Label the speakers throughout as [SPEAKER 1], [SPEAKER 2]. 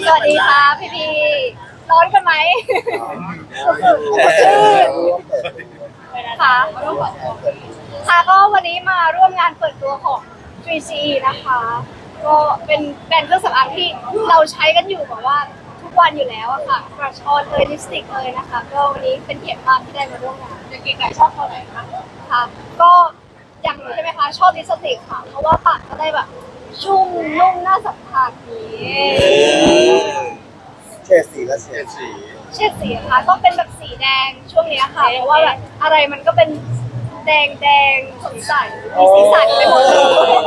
[SPEAKER 1] สวัสดีค่ะพี่ร้อนกันไหมค่ะค่ะก็วันนี้มาร่วมงานเปิดตัวของ 3CE นะคะก็เป็นแบรนด์เครื่องสำอางที่เราใช้กันอยู่แบบว่าทุกวันอยู่แล้วอะค่ะบรัชออนเลยลิปสติกเลยนะคะก็วันนี้เป็นเกียรติมากที่ได้มาร่วมงานเก๋ไก่ชอบตัวไหนคะค่ะก็อย่างหนูใช่ไหมคะชอบลิปสติกค่ะเพราะว่าปากก็ได้แบบชุ่มนุ่มน่าสัมผัสนี้
[SPEAKER 2] เฉดสีและเฉดสี
[SPEAKER 1] เฉดสีค่ะก็เป็นแบบสีแดงช่วงนี้ค่ะเพราะว่าแบบอะไรมันก็เป็นแดงแดงสดใสมีสีสันไปหมดเลย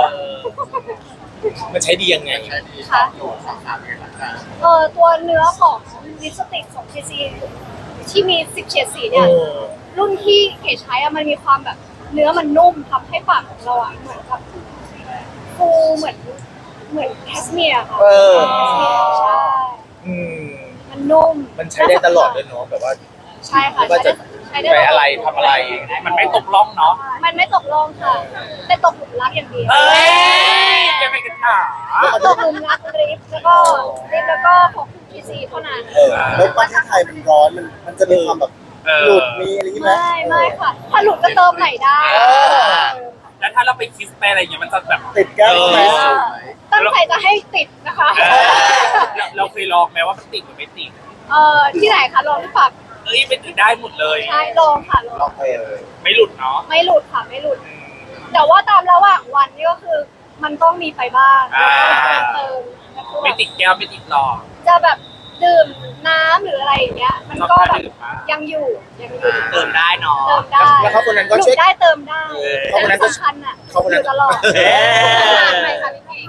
[SPEAKER 3] มันใช้ดียังไง
[SPEAKER 1] ค่ะตัวเนื้อของลิปสติกของ KC ที่มี10เฉดสีเนี่ยรุ่นที่เก๋ใช้อะมันมีความแบบเนื้อมันนุ่มทำให้ปากของเราอะเหมือนกับฟูเหมือนแคสเมียร์ค่ะใช่มันนุ่ม
[SPEAKER 3] มันใช้ได้ตลอดเลยเนาะแบบว่า
[SPEAKER 1] ใช่ค่ะ
[SPEAKER 3] ว่าจะใช้อะไรทำอะไรมันไม่ตกล่องเนาะ
[SPEAKER 1] มันไม่ตกล่องค่ะแต่ตกหลุมรักอย่างเดียว
[SPEAKER 3] จะไม่กันหา
[SPEAKER 1] ตกหลุมรักลิฟแล้วก็ของKCเท่านั้น
[SPEAKER 2] แล้วประเทศไทยมันร้อนมันจะมีความแบบหลุดมีอะไรอย่างงี้ไหม
[SPEAKER 1] ไม่ค่ะถ้าหลุดก็เติมใหม่ได้
[SPEAKER 3] แล้วถ้าเราไปคิสไปอะไรอย่างเงี้ยมันจะแบบ
[SPEAKER 2] ติดแก้วไหม
[SPEAKER 1] ตั้งใจจะให้ติดนะคะ
[SPEAKER 3] เราเคยลองไหมว่ามันติดหรือไม่ติด
[SPEAKER 1] ที่ไหนคะลองที่ปาก
[SPEAKER 3] เป็นติดได้หมดเลย
[SPEAKER 1] ใช่ลองค่ะลอง
[SPEAKER 3] ไม่หลุดเนาะ
[SPEAKER 1] ไม่หลุดค่ะไม่หลุดแต่ว่าตามระหว่างวันนี่ก็คือมันต้องมีไปบ้างเติม
[SPEAKER 3] ไม่ติดแก้วไม่ติดหลอด
[SPEAKER 1] จะแบบดื่มน้ำหรืออะไรอย่างเงี้ยมันก็แบบยังอยู่
[SPEAKER 3] เติมได้เนาะ
[SPEAKER 1] เติมได้
[SPEAKER 3] แล้วเขาคนนั้นก็ช่วย
[SPEAKER 1] ได้เติมได้
[SPEAKER 3] เขาคนนั้นก็
[SPEAKER 1] สำคัญอ่ะ
[SPEAKER 3] เขาคนนั้น
[SPEAKER 1] ตลอดใช่ค่ะพี่เก๋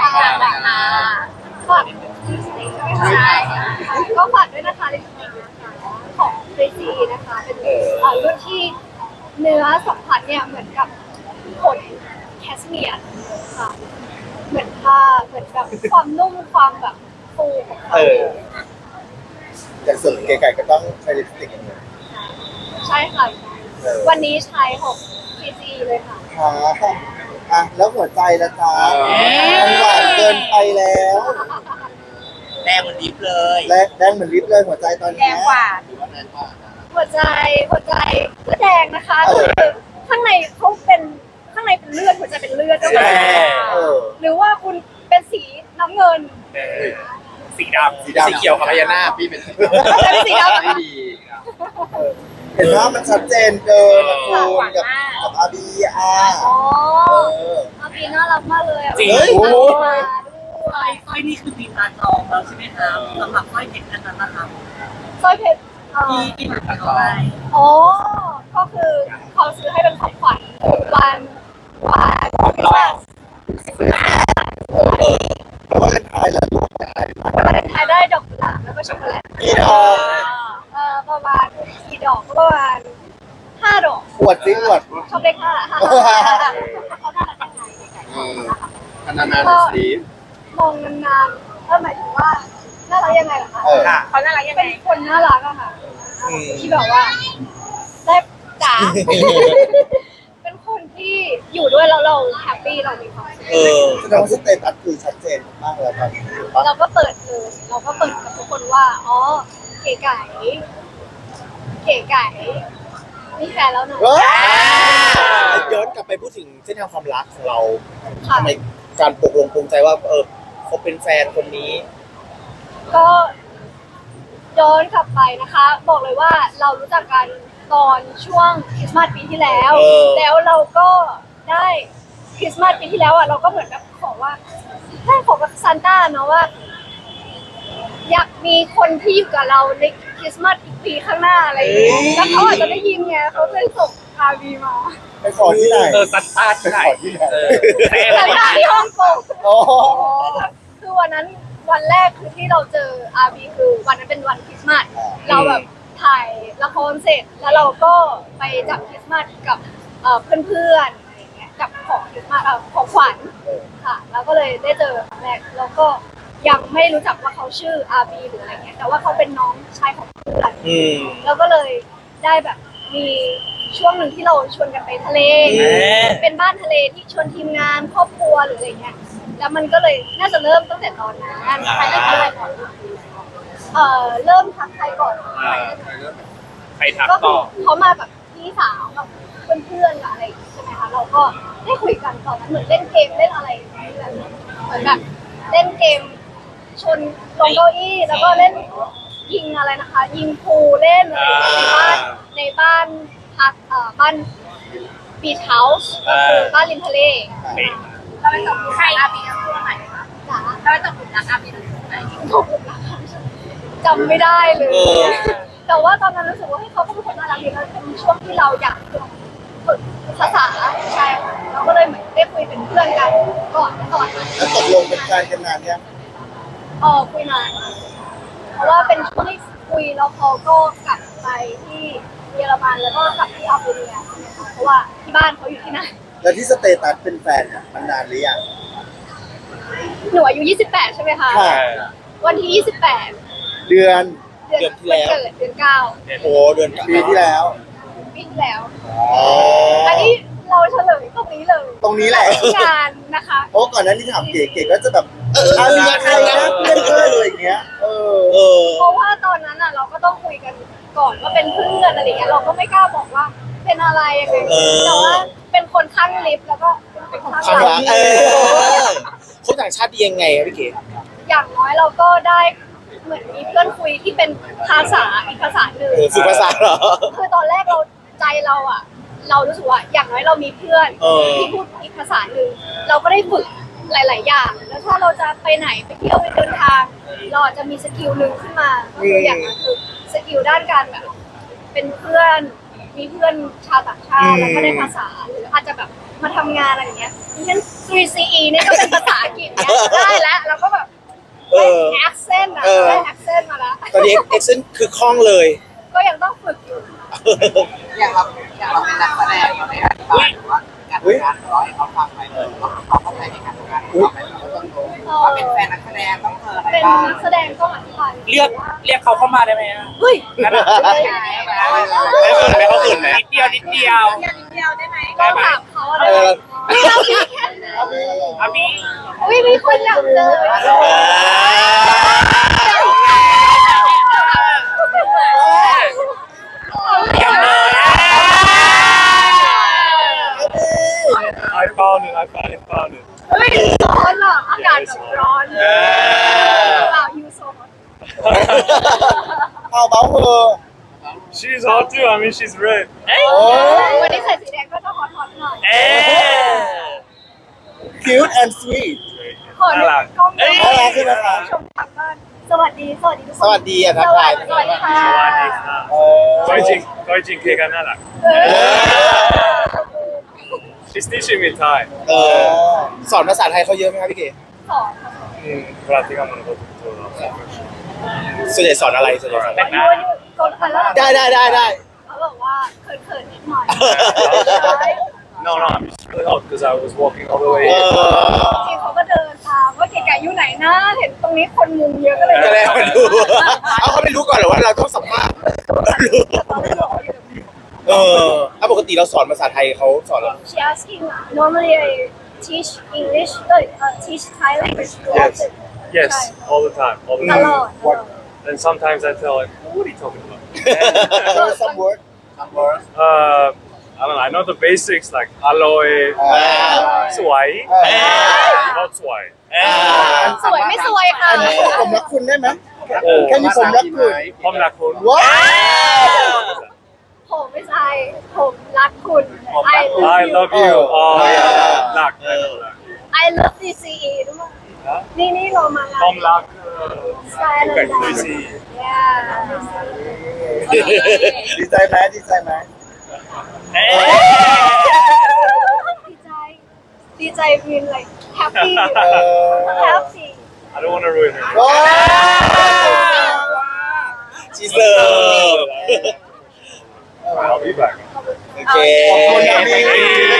[SPEAKER 1] ฝากใช่ก็ฝากด้วยนะคะลิปสติกของKCนะคะเป็นรุ่นที่เนื้อสัมผัสเนี่ยเหมือนกับขนแคสเมียร์ค่ะเหมือนผ้าเหมือนแบบความนุ่มความแบบฟูของเขา
[SPEAKER 2] อย่างส่วนเก๋ไก่ก็ต้องใช้ลิปสติกอย่างเดียว
[SPEAKER 1] ใช่ค่ะวันนี้ใช้ของKCเลยค่ะ
[SPEAKER 2] ค่ะแล้วหัวใจละจ๊ะมันหวานเกินไปแล้ว
[SPEAKER 3] แดงเหมือนลิปเลย
[SPEAKER 2] แดงเหมือนลิปเลยหัวใจตอนนี้
[SPEAKER 1] แดงกว่าหัวใจก็แดงนะคะคือข้างในเขาเป็นข้างในเป็นเลือดหัวใจเป็นเลือดก็ได้หรือว่าคุณเป็นสีน้ำเงิน
[SPEAKER 3] สีดำสีเขียวกับพญานาคพี่เป็น
[SPEAKER 1] สีดำ
[SPEAKER 3] ไม่ดี
[SPEAKER 2] เห็นว่ามันชัดเจนเกินคูณกับอาบี
[SPEAKER 1] อาบีน่ารักมากเลย
[SPEAKER 3] จริง
[SPEAKER 4] สร้อยนี่คือมีตาจองแล้วใช่ไหมคะสำหรับสร้อยเพชรอันนั้นนะคะ
[SPEAKER 1] สร้อยเพชร
[SPEAKER 4] ที่หนูจะเอาไป
[SPEAKER 1] ก็คือเขาซื้อให้เป็นของขวัญวัน
[SPEAKER 2] ว่าเป็นท้ายแล้ว
[SPEAKER 1] ท้ายได้ดอกกุหลาบแล้วก็ช็อกโกแลตประมาณกี่ดอกก็ประมาณ5 ดอก
[SPEAKER 2] อวดซิอวด
[SPEAKER 1] ชอบเลข5เขาน่ารัก
[SPEAKER 2] ยังไงนานๆสี
[SPEAKER 1] มองนานๆหมายถึงว่าน่ารักยังไงล่ะคะเขาน่ารักยังไงเป็นคนน่ารักอะค่ะที่แบบว่าได้จ๋าเป็นคนที่อยู่ด้วยแล้วเราแฮปปี้เรามีความสุข
[SPEAKER 2] แสดงว่าสเตตัสคือชัดเจนมากเลยครับ
[SPEAKER 1] เราก็เปิดกับทุกคนว่าเก๋ไก่มีแฟนแล้วเนอะ
[SPEAKER 3] ย้อนกลับไปพูดถึงเส้นทางความรักของเราทำไมการปลงภูมิใจว่าเขาเป็นแฟนคนนี้
[SPEAKER 1] ก็ย้อนกลับไปนะคะบอกเลยว่าเรารู้จักกันตอนช่วงคริสต์มาสปีที่แล้วแล้วเราก็ได้คริสต์มาสปีที่แล้วเราก็เหมือนกับขอกับซานต้าเนาะว่าอยากมีคนที่อยู่กับเราในคริสต์มาสอีกปีข้างหน้าอะไรอย่างเงี้ยแล้วเขาอาจจะได้ยินไงเขาเลยส่งRVมา
[SPEAKER 2] ไปขอที่ไหน
[SPEAKER 3] ซันต้าที่ไหน
[SPEAKER 1] ซานต้าที่ฮ่องกงคือวันนั้นวันแรกคือที่เราเจอRVคือวันนั้นเป็นวันคริสต์มาสเราแบบถ่ายละครเสร็จแล้วเราก็ไปจับคริสต์มาสกับเพื่อนๆอะไรเงี้ยกับของคริสต์มาสของขวัญค่ะแล้วก็เลยได้เจอครั้งแรกแล้วก็ยังไม่รู้จักว่าเขาชื่อRBหรืออะไรเงี้ยแต่ว่าเขาเป็นน้องชายของเพื่อนแล้วก็เลยได้แบบมีช่วงหนึ่งที่เราชวนกันไปทะเลเป็นบ้านทะเลที่ชวนทีมงานครอบครัวหรืออะไรเงี้ยแล้วมันก็เลยน่าจะเริ่มตั้งแต่ตอนนั้นใครเริ่มทักใครก่อนเริ่มทักใครก่อน
[SPEAKER 5] ใครทัก
[SPEAKER 1] ก็คื
[SPEAKER 5] ต่
[SPEAKER 1] อ
[SPEAKER 5] อ
[SPEAKER 1] เขามากับพี่สาวกับเพื่อนๆกับอะไรอย่างงี้ใช่ไหมคะเราก็ได้คุยกันตอนนั้นเหมือนเล่นเกมเล่นอะไรแบบเหมือนแบบเล่นเกมชนลงเก้าอี้แล้วก็เล่นยิงอะไรนะคะ ยิงพูลเล่นอะไรอย่างเงี้ยในบ้านพักบ้านบีชเฮาส์ก็คือบ้านริมทะเล
[SPEAKER 5] นี่
[SPEAKER 1] เราไปจับใครอาบีช่วงไหนคะจ๋าเราไปจับกลุ่มรักอาบีช่วงไหนจำไม่ได้เลย แต่ว่าตอนนั้นรู้สึกว่าให้เขาก็เป็นคนน่ารักดีแล้วเป็นช่วงที่เราอยากฝึกภาษาใช่ค่ะเราก็เลยเหมือนได้คุยเป็นเพื่อนกันก่อนนั้น
[SPEAKER 2] แล้วตกลงเป็นแฟนกันนานยัง
[SPEAKER 1] คุยนานเพราะว่าเป็นช่วงที่คุยแล้วเขาก็กลับไปที่เยอรมันแล้วก็กลับที่อัลเบเนียเพราะว่าที่บ้านเขาอยู่ที่นั่น
[SPEAKER 2] แล้วที่สเตตัสเป็นแฟนเนี่ยมันนานหรือยัง
[SPEAKER 1] หนูอายุ28ใช่ไหมคะ
[SPEAKER 2] ค่ะ
[SPEAKER 1] วันที่28
[SPEAKER 2] เดือน
[SPEAKER 1] เดือนที่แล้วเดือน9
[SPEAKER 3] โอ้เดือน
[SPEAKER 2] ปีที่แล้ว
[SPEAKER 1] ปีที่แล้ว
[SPEAKER 2] อ๋อ
[SPEAKER 1] อันนี้เราเฉลยตรงนี้เลย
[SPEAKER 2] ตรงนี้แหละ
[SPEAKER 1] งานนะคะ
[SPEAKER 2] เพราะก่อนหนั้นที่ถามเก๋ก็จะแบบอาเรียใครนะเพื่อนเลยอย่างเงี้ย
[SPEAKER 3] เออ
[SPEAKER 1] เพราะว่าตอนนั้นอ่ะเราก็ต้องคุยกันก่อนว่าเป็นเพื่อนอะไรอย่างเงี้ยเราก็ไม่กล้าบอกว่าเป็นอะไรยังไงแต่ว่าเป็นคนข้างลิฟต์แล้วก็เป็นคนข้าง
[SPEAKER 3] ความ
[SPEAKER 1] หลั
[SPEAKER 3] รั
[SPEAKER 1] ง
[SPEAKER 3] กคนต่างชาติดียังไงครับพี่เก๋
[SPEAKER 1] อย่างน้อยเราก็ได้เหมือนมีเพื่อนคุยที่เป็นภาษาอีกภาษาหนึ่ง
[SPEAKER 3] ฝึกภาษาเหรอ
[SPEAKER 1] คือตอนแรกเราใจเราอ่ะ เรารู้สึกว่าอย่างน้อยเรามีเพื่อน
[SPEAKER 3] เออ
[SPEAKER 1] ที่พูดอีกภาษาหนึ่งเราก็ได้ฝึกหลาย ๆ อย่าง แล้วถ้าเราจะไปไหนไปเที่ยวไปเดินทาง เราอาจจะมีสกิลหนึ่งขึ้นมาก็คืออย่างนั้นคือสกิลด้านการแบบเป็นเพื่อนมีเพื่อนชาวต่างชาติแล้วก็ได้ภาษาหรืออาจจะแบบมาทำงานอะไรอย่างเงี้ยเช่น 3CE เนี่ยก็เป็นภาษาอังกฤษเนี่ยได้แล้วเราก็แบบ
[SPEAKER 3] เอ
[SPEAKER 1] ได้
[SPEAKER 3] อ
[SPEAKER 1] accent อะได้ accent มาแล้ว
[SPEAKER 3] ตอนนี้เอ็กเซนคือคล่องเลย
[SPEAKER 1] ก็ยังต้องฝึกอยู่
[SPEAKER 6] อย่างเราเป็นนักแสดงเราได้อธิบายหรือว่าการทำงานเราให้เขาฟังไปเลยว่าเขาเข้าใจในการทำงานของเราไปเราต้องรู้ว่าเป็นแฟนนักแสดงต้องเจออะไร
[SPEAKER 1] เป็น
[SPEAKER 6] บ้าง
[SPEAKER 1] นักแสดงต้องอธิบาย
[SPEAKER 5] เรียกเขาเข้ามาได้ไหมอะ
[SPEAKER 1] เฮ้ย
[SPEAKER 5] งั้นอะ
[SPEAKER 3] ไม่เขินไหมเขาเขินไหม
[SPEAKER 5] นิดเดียวนิดเดียว
[SPEAKER 1] ต้องถามเขาอะไรเรามีแค่ไหน
[SPEAKER 5] อามี
[SPEAKER 1] อุ้ยมีคนอยากเจอ
[SPEAKER 5] ยังเลยไอเปล่าหนึ่งไอเปล่าหนึ่ง
[SPEAKER 1] เฮ้ยร้อนอ่ะอากาศแบบร้อนเปล่ายูโซ
[SPEAKER 2] เอาเบาเฮอ
[SPEAKER 5] She's hot too I mean she's red เอ้ย
[SPEAKER 2] โอ้
[SPEAKER 1] วันนี้ใส่สีแดงก็ต้องฮอตหน่อย
[SPEAKER 5] เอ้ย
[SPEAKER 2] cute and sweet
[SPEAKER 1] ขอหนึ่งกล้อง
[SPEAKER 2] น่ารักใช่ไหมคะ
[SPEAKER 1] ชมทางบ้านสวัสดีทุกคน
[SPEAKER 3] สวัสดีอ่ะทักทาย
[SPEAKER 1] สวัสดีค่ะ
[SPEAKER 5] สวัสดีค่ะ
[SPEAKER 2] เออ
[SPEAKER 5] ก้อยจริงเคกันน่ารัก She's teaching me Thai
[SPEAKER 3] เออสอนภาษาไทยเขาเยอะไหมครับพี่เก๋
[SPEAKER 1] สอนค่ะ
[SPEAKER 5] practicamos nosotros
[SPEAKER 3] ส่วนใหญ่สอนอะไรส่วนใหญ่สอนอะไร
[SPEAKER 1] ยูกดกันแล้ว
[SPEAKER 3] ได้
[SPEAKER 1] เขาบอกว่าเขินๆนิดหน่อย
[SPEAKER 5] No I'm just really hot because I was walking all the way
[SPEAKER 3] เอ
[SPEAKER 5] here
[SPEAKER 1] จริงเขาก็เดินตามว่าเก๋ๆอยู่ไหนนะเห็นตรงนี้คนมุงเยอะก็เลย
[SPEAKER 3] ก็เลยมาดูเอาเขาไม่รู้ก่อนเหรอว่าเราต้องสัมภาษณ์เออถ้าปกติเราสอนภาษาไทยเขาสอนเรา
[SPEAKER 1] She asking normally I teach English teach Thai language
[SPEAKER 5] Yes all the time
[SPEAKER 1] ตลอด
[SPEAKER 5] and sometimes I tell like what are you talking about
[SPEAKER 2] Show some word
[SPEAKER 5] I don't know I know the basics like aloe สวย not สวย
[SPEAKER 1] สวยไม่สวยค่ะ
[SPEAKER 2] อันนี้ผมรักคุณได้ไหม
[SPEAKER 5] โอ้
[SPEAKER 2] แค่นี้ผมรักคุณ
[SPEAKER 5] ผมรักคุณ
[SPEAKER 2] ว้าว
[SPEAKER 1] ผมไม่ใช่ผมรักคุณ
[SPEAKER 5] I love you oh yeah รัก
[SPEAKER 1] I love DCE ด้วยนี่เรามา
[SPEAKER 5] ผมรัก
[SPEAKER 1] สไตล์เลย
[SPEAKER 5] DCE
[SPEAKER 2] ดีใจไหมดีใจไหม
[SPEAKER 1] ดีใจวิน like happy
[SPEAKER 2] เออ
[SPEAKER 1] happy
[SPEAKER 5] I don't want to ruin it
[SPEAKER 2] ว้าว
[SPEAKER 3] ชีเสิร์ฟ
[SPEAKER 5] I'll be back
[SPEAKER 3] โอเค
[SPEAKER 2] ขอบคุณนะพี่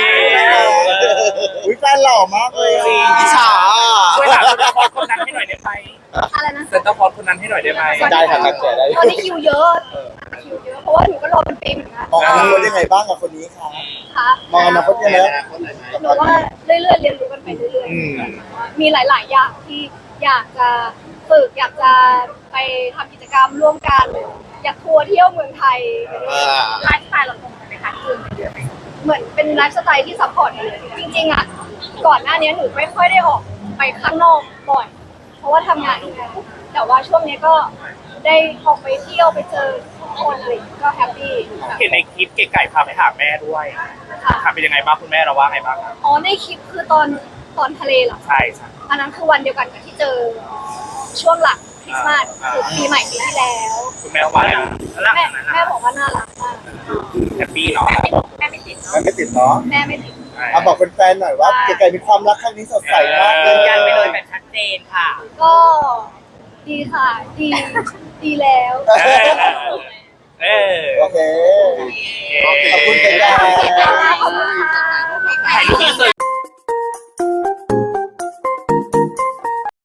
[SPEAKER 2] อุ้ยแฟนหล่อมากเลย
[SPEAKER 3] จริงอิจฉา
[SPEAKER 5] ช่วยหาเซนเตอร์พอร์ตคนนั้นให้หน่อยได้ไหม
[SPEAKER 1] อะไรนะ
[SPEAKER 5] เซนเตอร์พอร์ตคนนั้นให้หน่อยได้ไหม
[SPEAKER 3] ได้ค่ะตั้งใจได้
[SPEAKER 1] ตอนนี้คิวเยอะเพราะว่าหนูก็รอเป็นปีเหมือนกัน
[SPEAKER 2] มองอนาคตยังไงบ้างกับคนนี้คะ
[SPEAKER 1] คคะ
[SPEAKER 2] มองอนาคตยังไง
[SPEAKER 1] หนูว่าเรื่อยๆเรียนรู้กันไปเรื่อยๆมีหลาย ๆ อย่างที่อยากจะฝึกอยากจะไปทำกิจกรรมร่วมกันอยากทัวร์เที่ยวเมืองไทยไลฟ์สไตล์เราตรงกันไหมคะคือเหมือนเป็นไลฟ์สไตล์ที่ซัพพอร์ตกันเลยจริงๆอ่ะก่อนหน้านี้หนูไม่ค่อยได้ออกไปข้างนอกบ่อยเพราะว่าทำงานอยู่แล้วแต่ว่าช่วงนี้ก็ได้ออกไปเที่ยวไปเจอทุกคนอะไรอย่างเงี้ยก็แฮปปี้
[SPEAKER 7] เห็นในคลิปเก๋ไก่พาไปหาแม่ด้วย
[SPEAKER 1] ค่ะ
[SPEAKER 7] ค่ะเป็นยังไงบ้างคุณแม่เราว่าไงบ้างครับ
[SPEAKER 1] อ๋อในคลิปคือตอนทะเลเหรอ
[SPEAKER 7] ใช่ใช่
[SPEAKER 1] อันนั้นคือวันเดียวกันกับที่เจอช่วงหลังคริสต์มาสคือปีใหม่ปีที่แล้ว
[SPEAKER 7] คุณแม่ว่าไงแล้ว
[SPEAKER 1] แม่บอกว่าน่ารักมาก
[SPEAKER 7] แฮปปี้เนาะ
[SPEAKER 1] แม่ไม่ติด
[SPEAKER 2] มันไม่ติดเนาะ
[SPEAKER 1] แม่ไม่ติด
[SPEAKER 2] เอาบอกแฟนๆหน่อยว่าเก๋ไก่มีความรักครั้งนี้สดใสมากเลย
[SPEAKER 7] ยืนยันไปเลยแบบชัดเจนค่ะ
[SPEAKER 1] ก็ดีค่ะดีแล้ว
[SPEAKER 7] เออ
[SPEAKER 2] โอเค ขอบคุณเก๋ไก่
[SPEAKER 1] ขอบคุณค่ะ